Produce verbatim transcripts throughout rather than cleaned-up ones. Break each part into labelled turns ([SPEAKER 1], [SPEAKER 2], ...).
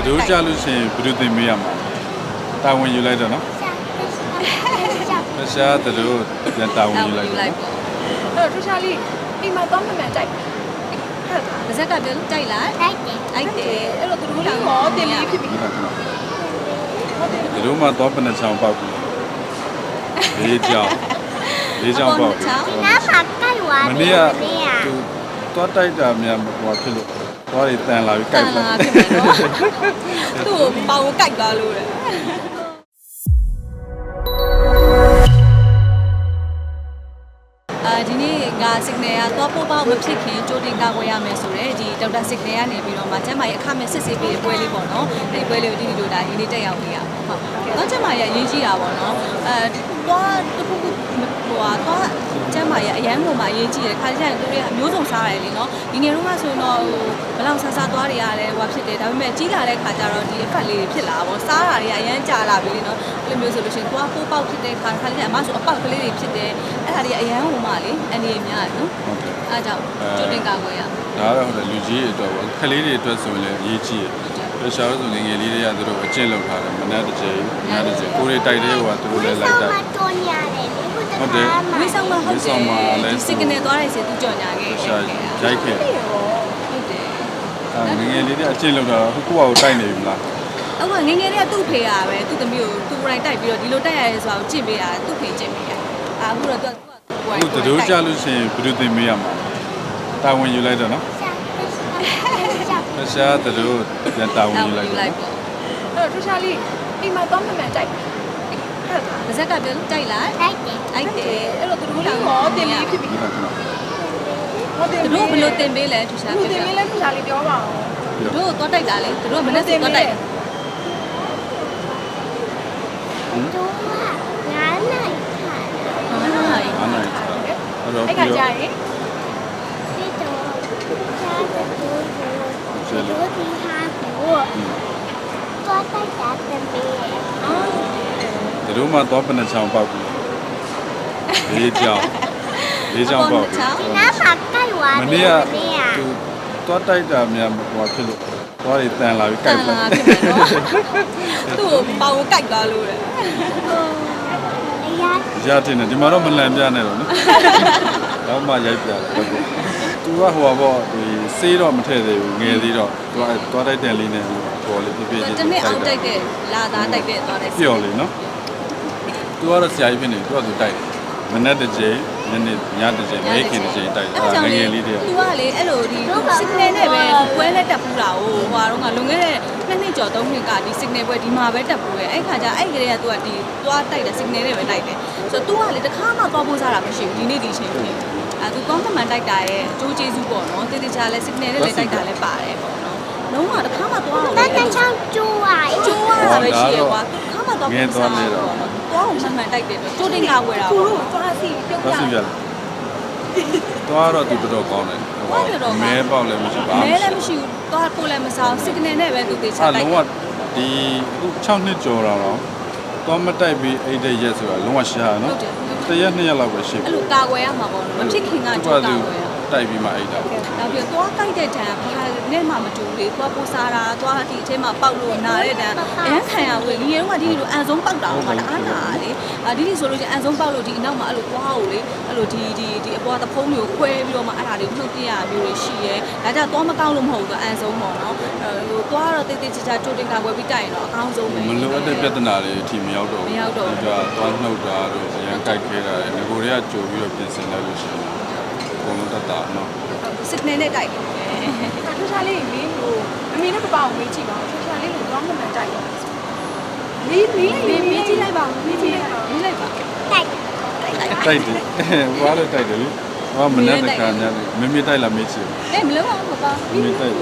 [SPEAKER 1] တို့ကြလို့ရှိရင်ဘယ်လိုသင်ပေးရမှာတာဝန်ယူလိုက်တော့နော်တခြားတို့ပြန်တာဝန်ယူလိုက်ပေါ့
[SPEAKER 2] အဲ့တော့ထူးခြားလေးအိမ်မှာတော့မှန်မှန်ကြိုက်ဟုတ်
[SPEAKER 3] လားပါဇက်ကပြောကြိုက်လား
[SPEAKER 4] ကြိုက်တယ်
[SPEAKER 3] ကြိုက်တယ်
[SPEAKER 2] အဲ့တော့သူတို့လည်းဟောတင်လေးဖြစ်ပြီ
[SPEAKER 1] တို့မှတော့ပနချောင်းပေါက်ပြီလေးချောင်းလေးချောင်းပေါက်ပြီ
[SPEAKER 4] နားမှာကြိုက်သွားတယ်
[SPEAKER 1] မနေ့ကသူတော့တိုက်တာများဟိုဖြစ်လို့သွားတွေတန်လာပြီးကြိုက်
[SPEAKER 3] လာဖြစ်မယ်နော်သူ့ကိုပေါင်ကိုကြိုက်သွားလို့တဲ့အာဒီနေ့က signal ကတော့ပို့ပေါက်မဖြစ်ခင်ကြိုတင်ကာကွယ်ရမယ်ဆိုတော့ဒီဒေါက်တာ signal ကနေပြီးတော့မှကျမရဲ့အခမဲ့စစ်ဆေးပေးတဲ့ပွဲလေးပေါ့နော်ဒီပွဲလေးကိုဒီဒီလိုဒါရင်းလေးတက်ရောက်နေရပါဟုတ်တော့ကျမရဲ့အရေးကြီးတာပေါ့နော်အဲတော့တခုခုဟိုကတော့ကျမရဲ့အရန်ပုံမှာအရေးကြီးတယ်ခါကျရင်တို့တွေအမျိုးစုံစားရတယ်လीနော်ဒီငယ်တုန်းကဆိုတော့ဟိုဘလောက်ဆဆသွားတွေရတယ်ဟိုဖြစ်တယ်ဒါပေမဲ့ကြီးလာတဲ့ခါကျတော့ဒီအဖက်လေးတွေဖြစ်လာပေါ့စားတာတွေကအရန်ကြာလာပြီလीနော်အဲ့လိုမျိုးဆိုလို့ရှိရင်သွားပိုးပေါက်ဖြစ်တဲ့ခါခါလေးကအမဆိုအပေါက်ကလေးတွေဖြစ်တယ်အဲ့ဒါတွေကအရန်ဟိုမှာလေအနေအများနော်
[SPEAKER 1] ဟုတ်တယ်
[SPEAKER 3] အားကြောင့်ကြိုတင်ကာကွယ်ရ
[SPEAKER 1] ဒါကတော့ဟုတ်တယ်လူကြီးတွေအတွက်ပေါ့ခလေးတွေအတွက်ဆိုရင်လည်းအရေးကြီးတယ်ရှာလို့ဆိုငယ်ငယ်လေးတွေကသူတို့အကျင့်လုပ်ထားတယ်မနက်တစ်ချိန်ညတစ်ချိန်ကိုယ်တွေတိုက်တဲ့ဟိုကသူတို့လည်းလိုက်တိုက်
[SPEAKER 4] တော်ညာတယ်
[SPEAKER 1] ဟုတ်တယ်
[SPEAKER 3] ဝိဆောင်မှာဟုတ်တယ်ဒီ signal သွားတဲ့စီသူကြော်ညာခဲ့
[SPEAKER 1] ရှာရိုက်ခဲ့
[SPEAKER 3] ဟုတ်တယ်
[SPEAKER 1] အဲငယ်ငယ်လေးတွေအကျင့်လုပ်တာဟိုကိုယ့်ဟာကိုတိုက်နေပြီလား
[SPEAKER 3] ဟုတ်ကငယ်ငယ်လေးကသူ့ဖေရပဲသူ့သမီးကိုသူ့ကိုယ်တိုင်တိုက်ပြီးတော့ဒီလိုတိုက်ရရဲဆိုတာကိုကြင့်ပေးတာသူ့ဖေကြင့်ပေးတာအခုတော့သူက
[SPEAKER 1] ကိုယ်ကတို့ကြလို့ရှိရင်ဘယ်လိုသင်ပေးရမှာတာဝန်ယူလိုက်တော့နော်တခြားတို့ပြန်တာဝန်ယူလိုက်ပေါ့
[SPEAKER 2] အဲ့တော့ထူးခြားလေးအိမ်မှာတော့မှန်မှန်ကြိုက်ဟုတ်
[SPEAKER 3] လားပါဇက်ကပြောကြိုက်လား
[SPEAKER 4] ကြိုက်တယ်
[SPEAKER 3] ကြိုက်တယ်
[SPEAKER 2] အဲ့တော့သူတို့လည်းဟောတင်လေးဖြစ်ပြီ
[SPEAKER 3] ဟောတင်တို့ဘယ်လိုတင်ပေးလဲထူးခြား
[SPEAKER 2] ပြောတင်ပေးလဲထူးခြားလေးပြောပါ
[SPEAKER 3] ဦးတို့သွားတိုက်တာလေတို့ကမနေ့ကသွားတိုက်
[SPEAKER 4] တို့ကငါးနိုင်
[SPEAKER 3] ခါငါးနိုင်
[SPEAKER 1] ငါးနိုင်ခါ
[SPEAKER 2] အဲ့တော့အဲ့ကကြာရင်
[SPEAKER 4] ပြီးတော့ချားတဲ့တို့တို့ဒီဟာကိုသွားတိုက်တာတင်ပေးအော်
[SPEAKER 1] တို့မှတော့ပနချောင်းပေါက်ပြီလေးချောင်းလေးချောင်းပေါက်ပြီ
[SPEAKER 4] နားမှာကြိုက်သွားတယ်
[SPEAKER 1] မနေ့ကသူတော့တိုက်တာများဟိုဖြစ်လို့သွားတွေတန်လာပြီးကြိုက်
[SPEAKER 3] လာဖြစ်မယ်နော်သူ့ကိုပေါင်ကိုကြိုက်သွားလို့တဲ့
[SPEAKER 1] ရတင်တယ်ဒီမှာတော့မလန်ပြနဲ့တော့နော်တော့မှရိုက်ပြတယ်ဟုတ်ကဲ့သူကဟိုပါပေါ့ဒီစေးတော့မထည့်သေးဘူးငယ်သေးတော့သူကသွားတိုက်တယ်လေးနဲ့ဟိုလေးပြပြချင်း
[SPEAKER 3] တနေ့အောင်တိုက်တဲ့လာသားတိုက်တဲ့သွားတဲ့
[SPEAKER 1] ပျော်လေးနော်သူကတော့ဆရာကြီးဖြစ်နေသူကသူတိုက်တယ်မနေ့တစ်ချိန်ညနေညတစ်ချိန်မိခင်တစ်ချိန်တိုက်တယ်ငယ်ငယ်လေးတည်း
[SPEAKER 3] သူကလေအဲ့လိုဒီ signal နဲ့ပဲပွဲလက်တက်ပူးတာဟိုဟွာတော့ကလွန်ခဲ့တဲ့နှစ်နှစ်ကျော်သုံးနှစ်ကဒီ signal ပွဲဒီမှာပဲတက်ပူးရဲ့အဲ့ခါကျအဲ့ကလေးကသူကဒီသွားတိုက်တယ် signal နဲ့ပဲတိုက်တယ်ဆိုတော့ तू ကလေတခါမှသွားပိုးစားတာမရှိဘူးဒီနေ့ဒီချိန်ကြီးအဲသူကောင်းမှန်တိုက်တာရဲ့အကျိုးကျေးဇူးပေါ့နော်တေးသေးချာလဲ signal နဲ့လည်းတိုက်တာလည်းပါတယ်ပေါ့နော်လုံးဝတခါမှသွား
[SPEAKER 4] တော့တန်းချောင်းကျိုးอ่ะ
[SPEAKER 3] ကျိုးရတာပဲရှိရကွာတခါမှသွားပိုးစားတော့သွားအောင်မှန်မှန်တိုက်တယ်ကျိုးတင်ကာဝယ်တာ
[SPEAKER 2] ပေါ့ကိုသွားစီပြုတ်
[SPEAKER 1] တာသွားစီရတယ်သွားတော့သူတော်တော်ကောင်းတယ်ဟိုမဲပေါက်လည်းမရှိပါဘူး
[SPEAKER 3] မဲလည်းမရှိဘူးသွားပို့လည်းမစား signal နဲ့ပဲသူတေးချတိုက်
[SPEAKER 1] လုံးဝဒီအခု၆နှစ်ကျော်တော့တော့မတိုက်ပြီးအိတ်တဲ့ရက်ဆိုတာလုံးဝရှားနော်တရက်နှစ်ရက်လောက်ပဲရှိ
[SPEAKER 3] ပြီအဲ့လိုကာကွယ်ရမှာပေါ့နော်မဖြစ်ခင်ကကြိုးကာကွယ်ရ
[SPEAKER 1] တိုက်ပြီးမှအိတ်တာ
[SPEAKER 3] နောက်ပြီးသွားတိုက်တဲ့တန်းဘာနဲ့မှမတူလေသွားပိုးစားတာသွားဒီအထဲမှာပေါက်လို့နာတဲ့တန်းအရန်ခံရဝင်ဒီရုံးကဒီလိုအန်ဆုံးပေါက်တာမှတအားနာလေအဒီဒီဆိုလို့ချင်းအန်ဆုံးပေါက်လို့ဒီအနောက်မှာအဲ့လိုသွားကိုလေအဲ့လိုဒီဒီဒီအပေါ်တဖုံးမျိုးခွဲပြီးတော့မှအဲ့ဒါလေးနှုတ်ပြရမျိုးတွေရှိရဲဒါကြသွားမကောက်လို့မဟုတ်ဘူးအန်ဆုံးပေါ့နော်ဟိုသွားတော့တိတ်တိတ်ချာချာကြိုတင်ကာကွယ်ပြီးတိုက်ရင်တော့အကောင်းဆုံးပဲ
[SPEAKER 1] မလိုအပ်တဲ့ပြဿနာတွေအထိမရောက်တော့
[SPEAKER 3] ဘူးမရောက်တော့
[SPEAKER 1] ဘူးဒါသွားနှုတ်တာတို့အရန်ကြိုက်ခဲတာငကိုတွေကကြိုပြီးတော့ပြင်ဆင်လိုက်လို့ရှိရင်အကုန်လုံးတတ်တာနော်
[SPEAKER 3] signal နဲ့တိုက်တယ်
[SPEAKER 2] ထူးခြားလေးမင်းဟိုအမေနဲ့ပပကိုမေးကြည့်ပါဦးထူးခြားလေးကိုတော့မှန်မှန်တိုက်တယ်မီးမီးမီးမီးကြည့်လိုက်ပါဦးမီးကြည့်လိုက်ပါမီးလိုက်ပါ
[SPEAKER 4] တိုက်
[SPEAKER 1] တိုက်တယ်ဟွာလို့တိုက်တယ်လေဟောမနေ့တခါများမမေတိုက်လာမေးချင်
[SPEAKER 3] အေးမလို့ပါပါ
[SPEAKER 1] မမေတိုက်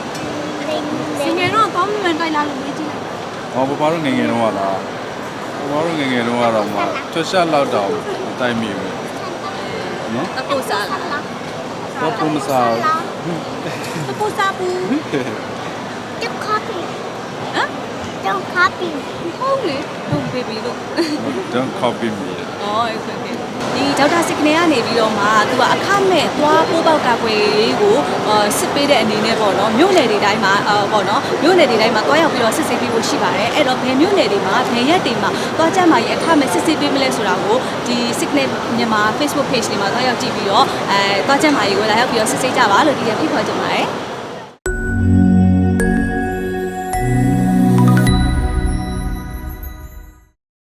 [SPEAKER 2] signal တော့တော့မှန်မှန်တိုက်လာလို့မေးကြည့်လိုက်
[SPEAKER 1] ဟောပပတို့ငငယ်တော့လားပပတို့ငငယ်တော့ကတော့မှထွက်ရှာလောက်တော့တိုက်မိပဲနော်
[SPEAKER 3] တပုတ်စားလား
[SPEAKER 1] တော့ပုံမစား
[SPEAKER 3] တပုတ်စားဘူး
[SPEAKER 4] တော့ copy
[SPEAKER 3] ဟမ်
[SPEAKER 4] တော့ copy
[SPEAKER 3] ဟုတ်လေ don't baby လို့
[SPEAKER 1] don't copy me
[SPEAKER 3] อ๋อ okay okay ဒီဒေါက်တာစစ်ကနေကနေပြီးတော့မှသူကအခမဲ့သွားပိုးပေါက်ကာကွယ်ရေးကိုစစ်ပေးတဲ့အနေနဲ့ပေါ့နော်မြို့နယ်တွေတိုင်းမှာပေါ့နော်မြို့နယ်တွေတိုင်းမှာသွားရောက်ပြီးတော့စစ်ဆေးပေးဖို့ရှိပါတယ်အဲ့တော့ဘယ်မြို့နယ်တွေမှာဘယ်ရက်တွေမှာသွားကြမှာရအခမဲ့စစ်ဆေးပေးမလဲဆိုတာကိုဒီ Signal မြန်မာ Facebook page တွေမှာသွားရောက်ကြည့်ပြီးတော့အဲသွားကြမှာရေကိုလာရောက်ပြီးတော့စစ်ဆေးကြပါလို့ဒီကဖိတ်ခေါ်ချင်ပါတယ်